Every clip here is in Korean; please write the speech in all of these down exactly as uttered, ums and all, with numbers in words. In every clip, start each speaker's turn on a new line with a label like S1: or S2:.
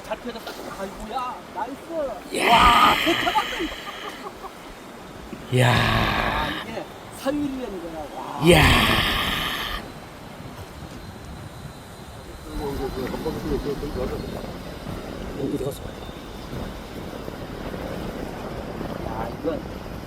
S1: 잘 펴졌다. 아이고야, 나이스.
S2: 야.
S1: 와, 대타봤다.
S2: 이야.
S1: 아, 이게 사유리라는 거야. 와.
S2: 이야. 어디 갔어?
S1: 야, 이건.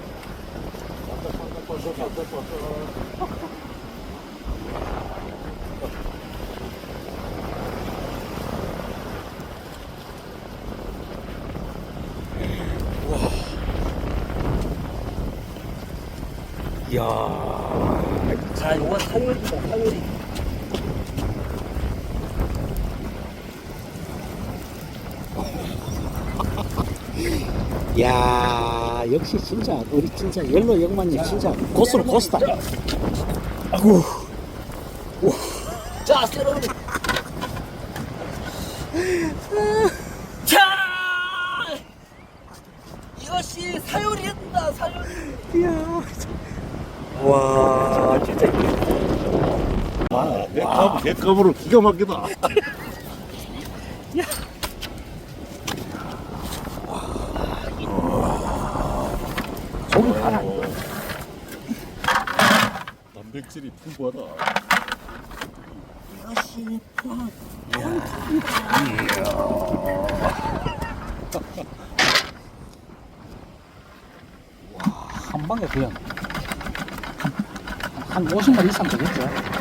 S2: 이야.
S1: 자, 이건 사유리다, 사유리.
S2: 야, 역시 진짜 우리 진짜 옐로 영만님 진짜 고수로 고수다. 아구.
S1: 자, 세로로. 자! 이것이 사유리였다, 사유리.
S2: 이야. 와, 진짜.
S3: 아, 내 값으로 기가 막히다.
S2: 속이 하나.
S3: 단백질이 풍부하다.
S1: 이것이 포항.
S2: 한 방에 그냥 한, 한 오십 마리 이상 되겠죠?